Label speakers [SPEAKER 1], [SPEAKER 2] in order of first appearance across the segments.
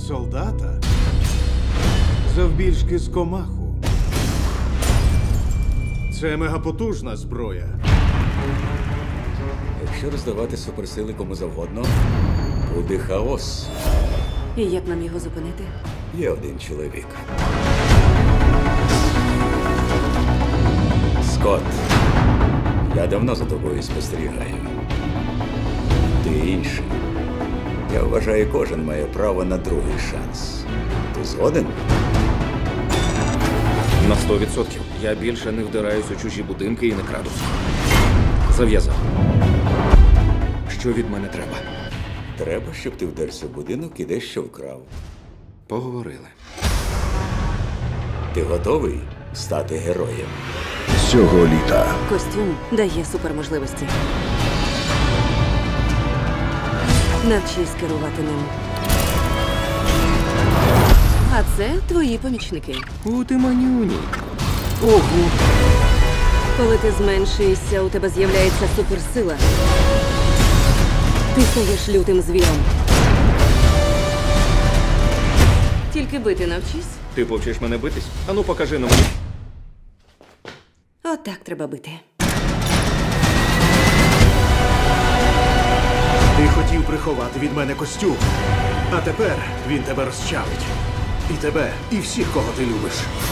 [SPEAKER 1] солдата завбільшки з комаху. Це мегапотужна зброя.
[SPEAKER 2] Якщо роздавати суперсили кому завгодно, буде хаос.
[SPEAKER 3] І як нам його зупинити?
[SPEAKER 2] Є один чоловік. Скотт, я давно за тобою спостерігаю. Ти інший. Я вважаю, кожен має право на другий шанс. Ти згоден?
[SPEAKER 4] На 100%. Я більше не вдираюсь у чужі будинки і не краду. Зав'язав. Що від мене треба?
[SPEAKER 2] Треба, щоб ти вдерся в будинок і дещо вкрав.
[SPEAKER 4] Поговорили.
[SPEAKER 2] Ти готовий стати героєм?
[SPEAKER 5] Цього літа
[SPEAKER 3] Костюм дає суперможливості. Навчись керувати ним. А це твої помічники.
[SPEAKER 4] У, ти манюні. Ого.
[SPEAKER 3] Коли ти зменшуєшся, у тебе з'являється суперсила. Ти стаєш лютим звіром. Тільки бити навчись.
[SPEAKER 4] Ти повчиш мене битись? Ану, покажи на мені.
[SPEAKER 3] Отак треба бити.
[SPEAKER 1] Ти хотів приховати від мене костюм, а тепер він тебе розчавить. І тебе, і всіх, кого ти любиш.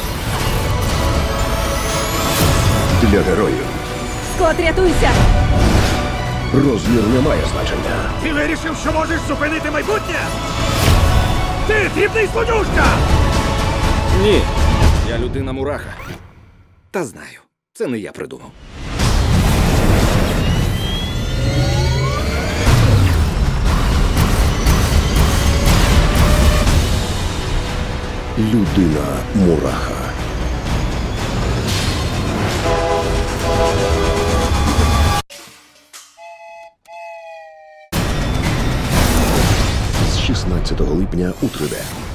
[SPEAKER 5] для героїв
[SPEAKER 3] Скот, рятуйся!
[SPEAKER 5] розмір не має значення.
[SPEAKER 1] Ти вирішив, що можеш зупинити майбутнє? Ти дрібний злодюжка!
[SPEAKER 4] Ні. Я людина-мураха. Та знаю. Це не я придумав.
[SPEAKER 5] Людина-мураха. З 16 липня у 3D.